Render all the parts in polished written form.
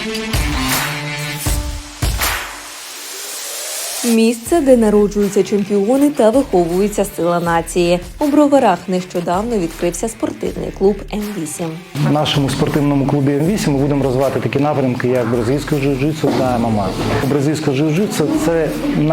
Місце, де народжуються чемпіони та виховується сила нації. У Броварах нещодавно відкрився спортивний клуб М8. В нашому спортивному клубі М8 ми будемо розвивати такі напрямки, як бразильське джиу-джитсу та ММА. Бразильське джиу-джитсу – це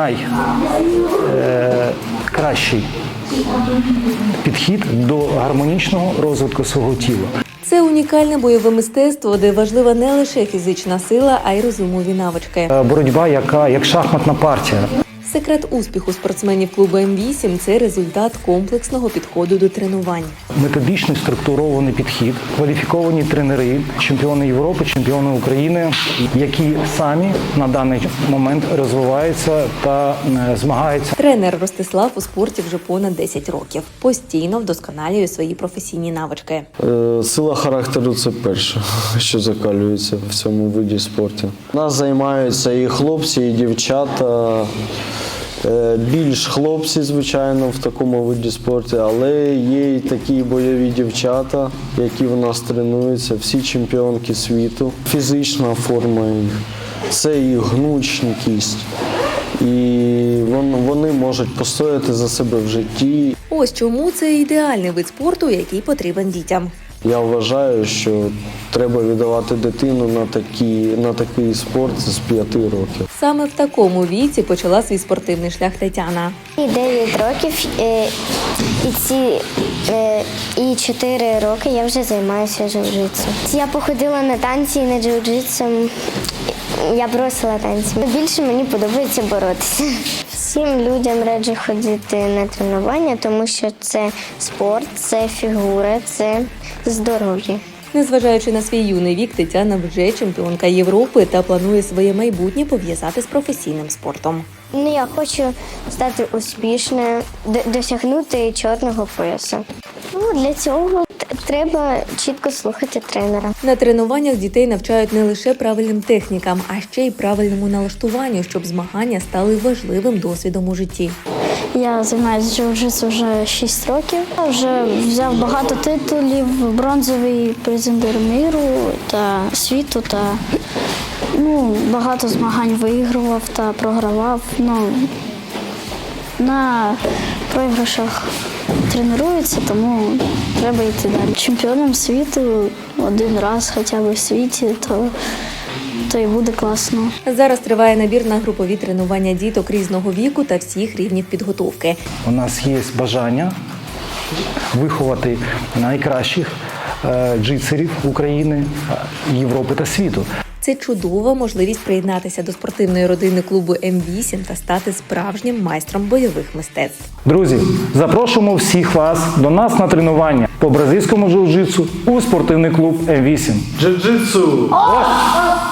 найкращий підхід до гармонічного розвитку свого тіла. Це унікальне бойове мистецтво, де важлива не лише фізична сила, а й розумові навички. Боротьба, як шахматна партія. Секрет успіху спортсменів клубу М8 – це результат комплексного підходу до тренувань. Методичний структурований підхід, кваліфіковані тренери, чемпіони Європи, чемпіони України, які самі на даний момент розвиваються та змагаються. Тренер Ростислав у спорті вже понад 10 років. Постійно вдосконалює свої професійні навички. Сила характеру – це перше, що закалюється в цьому виді спорту. Нас займаються і хлопці, і дівчата. Більш хлопці, звичайно, в такому виді спорту, але є і такі бойові дівчата, які в нас тренуються, всі чемпіонки світу. Фізична форма їх, це їх гнучкість, і вони можуть постояти за себе в житті. Ось чому це ідеальний вид спорту, який потрібен дітям. Я вважаю, що треба віддавати дитину на такий спорт з 5 років. Саме в такому віці почала свій спортивний шлях Тетяна. 9 років і 4 роки я вже займаюся джиу-джитсу. Я походила на танці і на джиу-джитсу. Я бросила танці. Більше мені подобається боротися. Всім людям раджу ходити на тренування, тому що це спорт, це фігура, це здоров'я. Незважаючи на свій юний вік, Тетяна вже чемпіонка Європи та планує своє майбутнє пов'язати з професійним спортом. Я хочу стати успішною, досягнути чорного поясу. Для цього треба чітко слухати тренера. На тренуваннях дітей навчають не лише правильним технікам, а ще й правильному налаштуванню, щоб змагання стали важливим досвідом у житті. Я займаюся джиу-джитсу вже 6 років. Я вже взяв багато титулів, бронзовий призер миру та світу, та багато змагань виігрував та програвав. На програшах тренуються, тому треба йти далі. Чемпіоном світу один раз хоча б в світі, то і буде класно. Зараз триває набір на групові тренування діток різного віку та всіх рівнів підготовки. У нас є бажання виховати найкращих джитсерів України, Європи та світу. Це чудова можливість приєднатися до спортивної родини клубу М8 та стати справжнім майстром бойових мистецтв. Друзі, запрошуємо всіх вас до нас на тренування по бразильському джиу-джитсу у спортивний клуб М8. Джиу-джитсу!